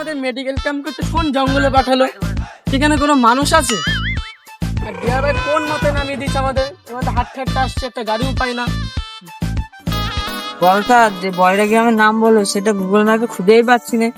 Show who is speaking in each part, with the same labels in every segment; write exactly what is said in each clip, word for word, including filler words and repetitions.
Speaker 1: আমাদের medical camp করতে কোন জঙ্গলে পাঠালো? সেখানে কোনো মানুষ আছে? আর ডিয়ার ভাই কোন মতে নামিয়ে দিচ্ছে আমাদের? আমাদের হাট ঠাট্টা আসছে, একটা গাড়িও পাই না।
Speaker 2: বলতা যে বয়রা গ্রামের নাম বলো, সেটা গুগল ম্যাপে খুঁজেই পাচ্ছি না।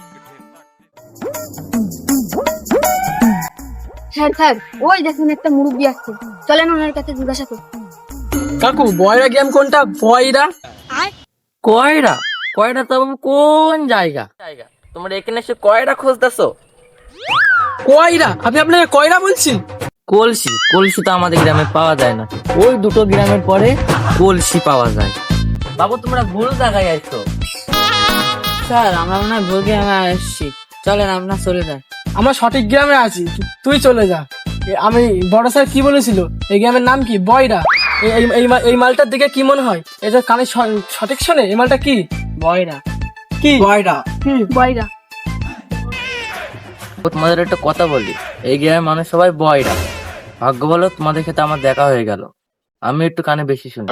Speaker 3: স্যার স্যার ওই দেখুন একটা মুরব্বি আসছে, চলেন ওনার কাছে জিজ্ঞাসা করি।
Speaker 1: কাকু বয়রা গেম কোনটা? বয়রা
Speaker 4: কয়রা? কয়রা তো বাবু কোন জায়গা? জায়গা তোমরা এখানে এসে কয়রা খুঁজতেছো?
Speaker 1: কয়রা? আপনি আপনাকে কয়রা বলছেন?
Speaker 4: কলসি। কলসি তো আমাদের গ্রামে পাওয়া যায় না, ওই দুটো গ্রামের পরে কলসি পাওয়া যায়। বাবু তোমরা ভুল জায়গায় আইছো।
Speaker 2: স্যার আমরা মনে হয় ভুল গ্রামে এসেছি, চলেন আপনার চলে যান।
Speaker 1: আমরা সঠিক গ্রামে আছি, তুই চলে যা। এ, আমি বড় স্যার কি বলেছিল? এই গ্রামের নাম কি? বয়রা। এই- এই- এই মা- এই মালটার দিকে কি মনে হয়? এটা কানে স- সঠিক শোনে? এই মালটা কি?
Speaker 2: বয়রা।
Speaker 1: কি বয়রা? কি
Speaker 3: বয়রা।
Speaker 4: তোমাদের একটা কথা বলি, এই গ্রামের মানুষ সবাই বয়রা। ভাগ্য বলো তোমাদের সাথে আমার দেখা হয়ে গেল, আমি একটু কানে বেশি শুনি।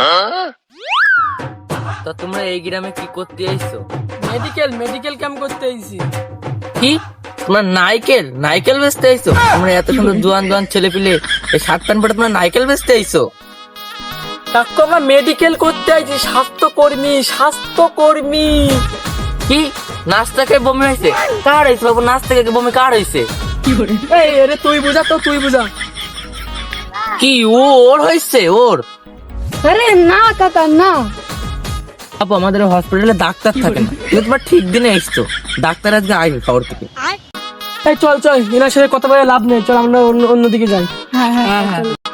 Speaker 4: তো তোমরা এই গ্রামে কি করতে আইছো?
Speaker 1: মেডিকেল মেডিকেল ক্যাম্প করতে এসেছি।
Speaker 4: কি তোমরা নাইকেল নাইকেল বেচতে আইছো? তোমরা এত সুন্দর জোয়ান জোয়ান ছেলে পিলে এই শার্ট প্যান্ট পরে তোমরা নাইকেল বেচতে আইছো?
Speaker 1: কাকু আমরা মেডিকেল করতে আইছি, স্বাস্থ্যকর্মী স্বাস্থ্যকর্মী।
Speaker 4: কি নাস্তা খেয়ে বমি হয়েছে? কার হয়েছে বাবু? নাস্তা খেয়ে বমি কার হয়েছে?
Speaker 1: এই আরে তুই বুঝা তো, তুই বুঝা।
Speaker 4: কি ও ওর হয়েছে? ওর
Speaker 3: আরে না কাকা না।
Speaker 4: বাবু আমাদের হসপিটালে ডাক্তার থাকে না, তুমি তোমার ঠিক দিনে এসছো। ডাক্তার আজকে আইবে খবর থেকে।
Speaker 1: এই চল চল, এনার সাথে কথা বলে লাভ নেই, চল আমরা অন্য অন্যদিকে যাই।
Speaker 3: হ্যাঁ হ্যাঁ
Speaker 2: হ্যাঁ হ্যাঁ